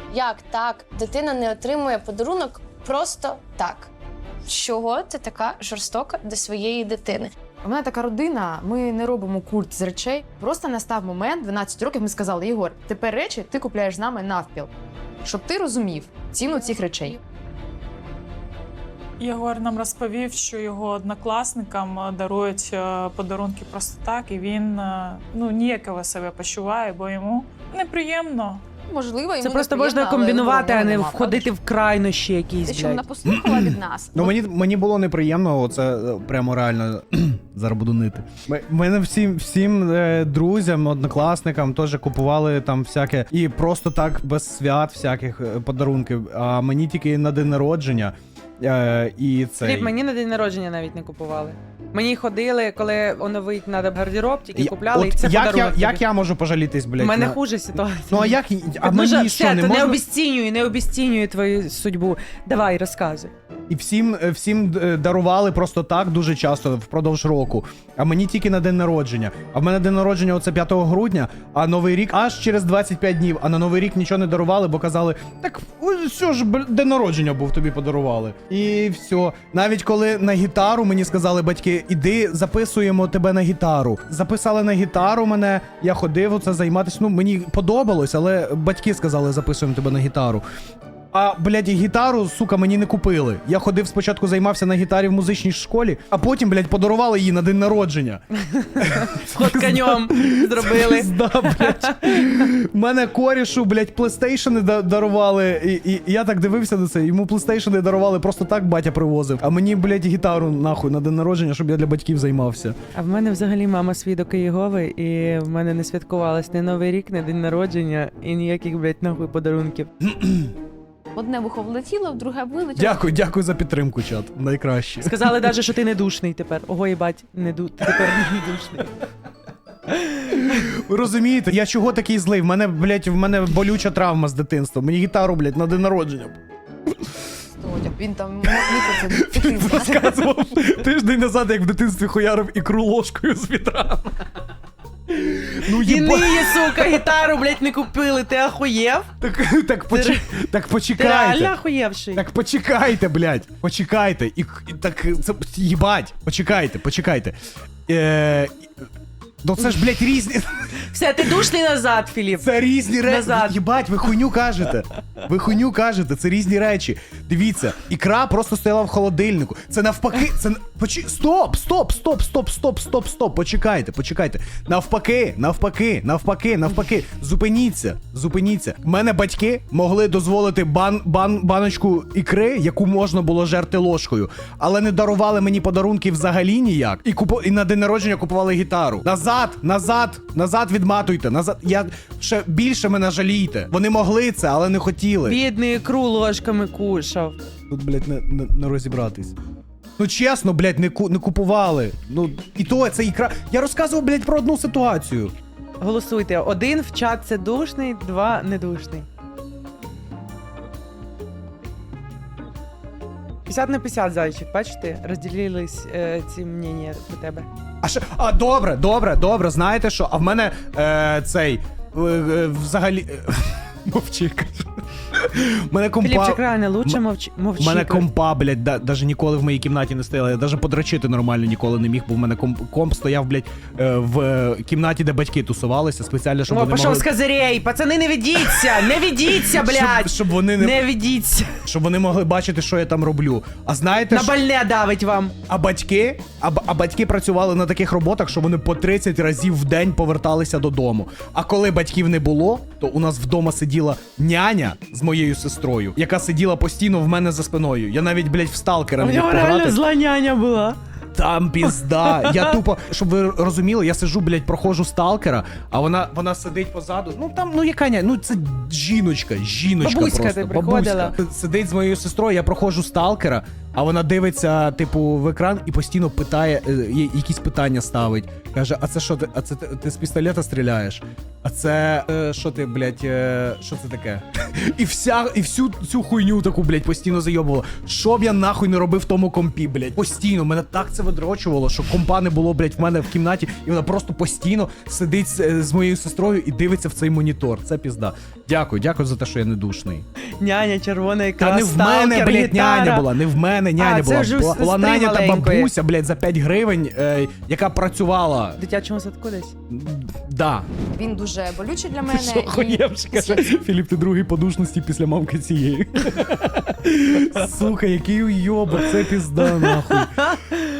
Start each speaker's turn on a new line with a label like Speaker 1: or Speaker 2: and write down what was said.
Speaker 1: Як так? Дитина не отримує подарунок просто так. Чого ти така жорстока до своєї дитини?
Speaker 2: У мене така родина, ми не робимо культ з речей. Просто настав момент, 12 років, ми сказали: Єгор, тепер речі ти купляєш з нами навпіл, щоб ти розумів ціну цих речей.
Speaker 3: Єгор нам розповів, що його однокласникам дарують подарунки просто так, і він ніяково себе почуває, бо йому неприємно.
Speaker 2: Можливо, йому
Speaker 4: Це просто
Speaker 2: неприємно,
Speaker 4: можна
Speaker 2: але
Speaker 4: комбінувати, а не
Speaker 2: нема,
Speaker 4: входити в крайнощі якісь,
Speaker 2: Щоб вона
Speaker 4: блядь.
Speaker 2: послухала від нас.
Speaker 5: Ну мені було неприємно, це прямо реально зараз буду нити. Мене всім друзям, однокласникам теж купували там всяке, і просто так без свят всяких подарунків, а мені тільки на день народження. І цей...
Speaker 4: Філіп, мені на день народження навіть не купували. Мені ходили, коли оновить треба гардероб, тільки купляли, і це подарунок.
Speaker 5: Як я можу пожалітись, блядь?
Speaker 4: У мене хуже ситуація.
Speaker 5: Ну а як? А
Speaker 4: Ну,
Speaker 5: мені що, не можна?
Speaker 4: не обіцінюй твою судьбу. Давай, розказуй.
Speaker 5: І всім дарували просто так дуже часто впродовж року. А мені тільки на день народження. А в мене день народження оце 5 грудня, а Новий рік аж через 25 днів. А на Новий рік нічого не дарували, бо казали: так все ж, день народження був, тобі подарували. І все. Навіть коли на гітару мені сказали батьки: іди, записуємо тебе на гітару. Записали на гітару мене, я ходив оце займатися. Ну, мені подобалось, але батьки сказали: записуємо тебе на гітару. А, блядь, гітару, сука, мені не купили. Я ходив спочатку, займався на гітарі в музичній школі, а потім, блядь, подарували її на день народження.
Speaker 4: Ход конем зробили.
Speaker 5: Да, блядь. Мене корішу, блядь, плейстейшени дарували, і я так дивився на це. Йому плейстейшени дарували, просто так батя привозив. А мені, блядь, гітару, нахуй, на день народження, щоб я для батьків займався.
Speaker 4: А в мене взагалі мама свідок Єгови, і в мене не святкувалось ні Новий рік, ні день народження, і ніяких, блядь, нахуй подарунків.
Speaker 2: Одне вухо влетіло, в друге вилетіло.
Speaker 5: Дякую за підтримку, чат. Найкраще.
Speaker 4: Сказали навіть, що ти не душний тепер. Ого, їбать, ти тепер не душний.
Speaker 5: Ви розумієте, я чого такий злий? В мене болюча травма з дитинства. Мені гітару, блядь, на день народження.
Speaker 2: Він там міг це
Speaker 5: Розказував тиждень назад, як в дитинстві хуярив ікру ложкою з вітрами. Ну,
Speaker 4: І ниє, сука, гітару, блядь, не купили, ти ахуєв?
Speaker 5: Так
Speaker 4: Ти
Speaker 5: почекайте.
Speaker 4: реально ахуєвший?
Speaker 5: Так почекайте, блядь. Почекайте. Так, це, їбать. Почекайте. Ну це ж, блядь, різні...
Speaker 4: Все, ти душний назад, Філіп.
Speaker 5: Це різні речі.
Speaker 4: Назад.
Speaker 5: Єбать, ви хуйню кажете. Це різні речі. Дивіться, ікра просто стояла в холодильнику. Це навпаки, це... Стоп. Почекайте. Навпаки. Зупиніться. В мене батьки могли дозволити баночку ікри, яку можна було жерти ложкою, але не дарували мені подарунки взагалі ніяк. І на день народження купували гітару. Назад відматуйте. Я ще більше мене жалійте. Вони могли це, але не хотіли.
Speaker 4: Бідний ікру ложками кушав.
Speaker 5: Тут, блядь, не розібратись. Ну чесно, блядь, не купували. Ну, і то, це ікра. Я розказував, блядь, про одну ситуацію.
Speaker 4: Голосуйте. 1 в чат це душний, 2 недушний. 50/50, зайчик, бачите? Розділились ці мнення до тебе.
Speaker 5: Добре, знаєте що? А в мене взагалі... Мовчи, кажу. Мене компа...
Speaker 4: Філіпчик, реально, лучше мовчи.
Speaker 5: Мене компа, блядь, даже ніколи в моїй кімнаті не стояла. Я даже подрочити нормально ніколи не міг, бо в мене комп стояв, блядь, в кімнаті, де батьки тусувалися, спеціально, щоб вони
Speaker 4: пішов
Speaker 5: могли...
Speaker 4: з козирей! Пацани, не ведіться, блядь!
Speaker 5: Щоб вони
Speaker 4: не ведіться!
Speaker 5: Щоб вони могли бачити, що я там роблю. А знаєте,
Speaker 4: на больне давить вам!
Speaker 5: А батьки працювали на таких роботах, що вони по 30 разів в день поверталися додому. А коли батьків не було, то у нас вдома сиділа няня з моєю сестрою, яка сиділа постійно в мене за спиною. Я навіть, блядь, в сталкера не міг пограти.
Speaker 4: У нього реально зла няня була.
Speaker 5: Там пізда. Я тупо, щоб ви розуміли, я сиджу, блядь, проходжу сталкера, а вона сидить позаду. Ну там, ну яка няня? Ну це жіночка
Speaker 4: Бабуська
Speaker 5: просто.
Speaker 4: ти приходила.
Speaker 5: Сидить з моєю сестрою, я проходжу сталкера, А вона дивиться, типу, в екран і постійно питає, якісь питання ставить. Каже, а це що ти? А це ти з пістолета стріляєш? А це що ти, блядь, що це таке? І всю цю хуйню таку, блядь, постійно зайобувала. Що б я нахуй не робив в тому компі, блядь? Постійно, мене так це видрочувало, що компа не було, блядь, в мене в кімнаті, і вона просто постійно сидить з моєю сестрою і дивиться в цей монітор. Це пізда. Дякую за те, що я не душний.
Speaker 4: Няня, червоний
Speaker 5: Та
Speaker 4: екран,
Speaker 5: не в мене,
Speaker 4: сталкер,
Speaker 5: блядь,
Speaker 4: гітара.
Speaker 5: няня була, не в мене няня
Speaker 4: це
Speaker 5: була.
Speaker 4: вже у
Speaker 5: Була
Speaker 4: сестри
Speaker 5: няня та
Speaker 4: маленької.
Speaker 5: бабуся, блядь, за 5 гривень, яка працювала.
Speaker 4: В дитячому садку десь?
Speaker 5: Да.
Speaker 2: Він дуже болючий для мене.
Speaker 5: Що хуєвш, каже, Філіп, ти другий подушності після мамки цієї. Сука, який уйобок, це пізда, нахуй.